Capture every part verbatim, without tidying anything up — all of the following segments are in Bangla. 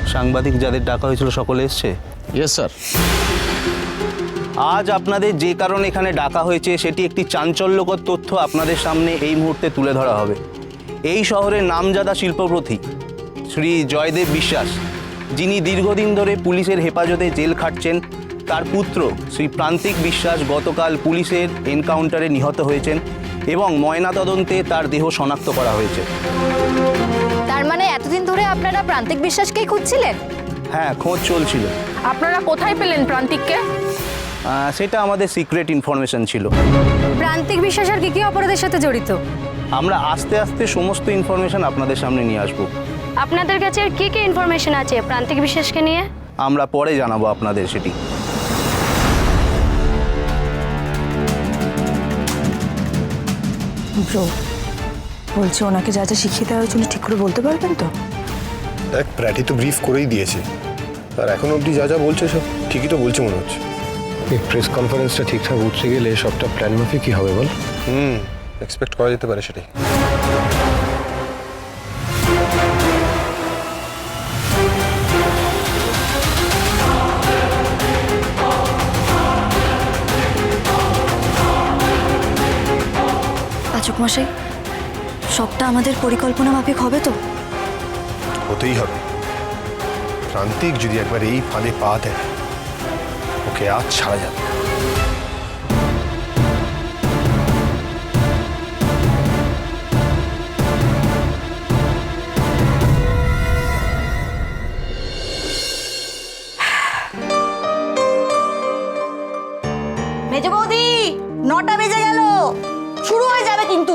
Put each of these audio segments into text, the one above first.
সাংবাদিক যাদের ডাকা হয়েছিল সকলে এসছে? Yes sir. আজ আপনাদের যে কারণে এখানে ডাকা হয়েছে সেটি একটি চাঞ্চল্যকর তথ্য আপনাদের সামনে এই মুহূর্তে তুলে ধরা হবে। এই শহরের নামজাদা শিল্পপতি শ্রী জয়দেব বিশ্বাস, যিনি দীর্ঘদিন ধরে পুলিশের হেফাজতে জেল খাটছেন, তার পুত্র শ্রী প্রান্তিক বিশ্বাস গতকাল পুলিশের এনকাউন্টারে নিহত হয়েছেন এবং ময়নাতদন্তে তার দেহ শনাক্ত করা হয়েছে। তার মানে এতদিন ধরে আপনারা প্রান্তিক বিশ্বাসকেই খুঁজছিলেন? হ্যাঁ, খোঁজ চলছিল। আপনারা কোথায় পেলেন প্রান্তিককে? আহ, সেটা আমাদের সিক্রেট ইনফরমেশন ছিল। প্রান্তিক বিশ্বাস আর কি কি অপরাধের সাথে জড়িত? আমরা আস্তে আস্তে সমস্ত ইনফরমেশন আপনাদের সামনে নিয়ে আসব। আপনাদের কাছে আর কি কি ইনফরমেশন আছে প্রান্তিক বিশ্বাসকে নিয়ে? আমরা পরে জানাবো আপনাদের সেটি। ব্রো, বলছি ওনাকে যা যা শিখিয়ে দেওয়া হয়েছিল ঠিক করে বলতে পারবেন তো? দেখ, প্র্যাটি তো ব্রিফ করেই দিয়েছে, আর এখন অবধি যা যা বলছে সব ঠিকই তো বলছে মনে হচ্ছে। এই প্রেস কনফারেন্সটা ঠিকঠাক উঠতে গেলে সবটা প্ল্যান মাফিক কি হবে বল? হুম, এক্সপেক্ট করা যেতে পারে সেটাই। পাচক মশাই, সবটা আমাদের পরিকল্পনা মাফিক হবে তো? হতেই হবে। প্রান্তিক যদি একবার এই ফাঁদে পা দেয়, ওকে আজ ছাড়া যাবে। মেজ বৌদি, নটা বেজে গেল, শুরু হয়ে যাবে কিন্তু।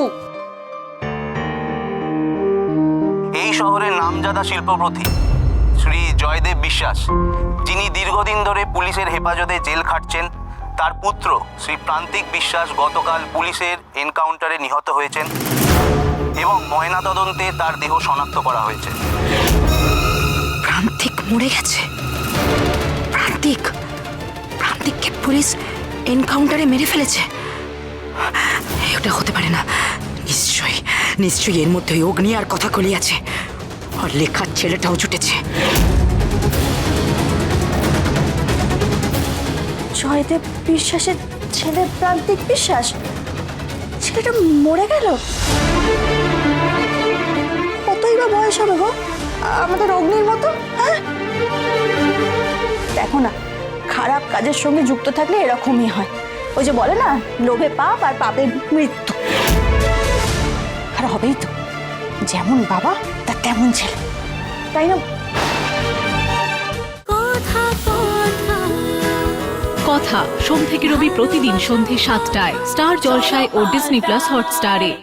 এই শহরের নামজাদা শিল্পপতি শ্রী জয়দেব বিশ্বাস, যিনি দীর্ঘদিন ধরে পুলিশের হেফাজতে জেল খাটছেন, তার পুত্র শ্রী প্রান্তিক বিশ্বাস গতকাল পুলিশের এনকাউন্টারে নিহত হয়েছেন এবং ময়নাতদন্তে তার দেহ শনাক্ত করা হয়েছে। প্রান্তিক মরে গেছে? প্রান্তিক প্রান্তিককে পুলিশ এনকাউন্টারে মেরে ফেলেছে? এটা হতে পারে না। নিশ্চয়ই নিশ্চয়ই এর মধ্যে অগ্নি আর কথা কলি আছে। আর লেখার ছেলেটাও জুটেছে। জয়দেব বিশ্বাসের ছেলে প্রান্তিক বিশ্বাস, ছেলেটা মরে গেল? কতই বা বয়স হবে গো আমাদের অগ্নির মতো? হ্যাঁ, দেখো না, খারাপ কাজের সঙ্গে যুক্ত থাকলে এরকমই হয়। ওই যে বলে না, লোভে পাপ আর পাপে মৃত্যু। আর হবেই তো, যেমন বাবা তার তেমন ছেলে, তাই না? কথা সোম থেকে রবি প্রতিদিন সন্ধে সাতটায় স্টার জলসায় ও ডিজনি প্লাস হটস্টারে।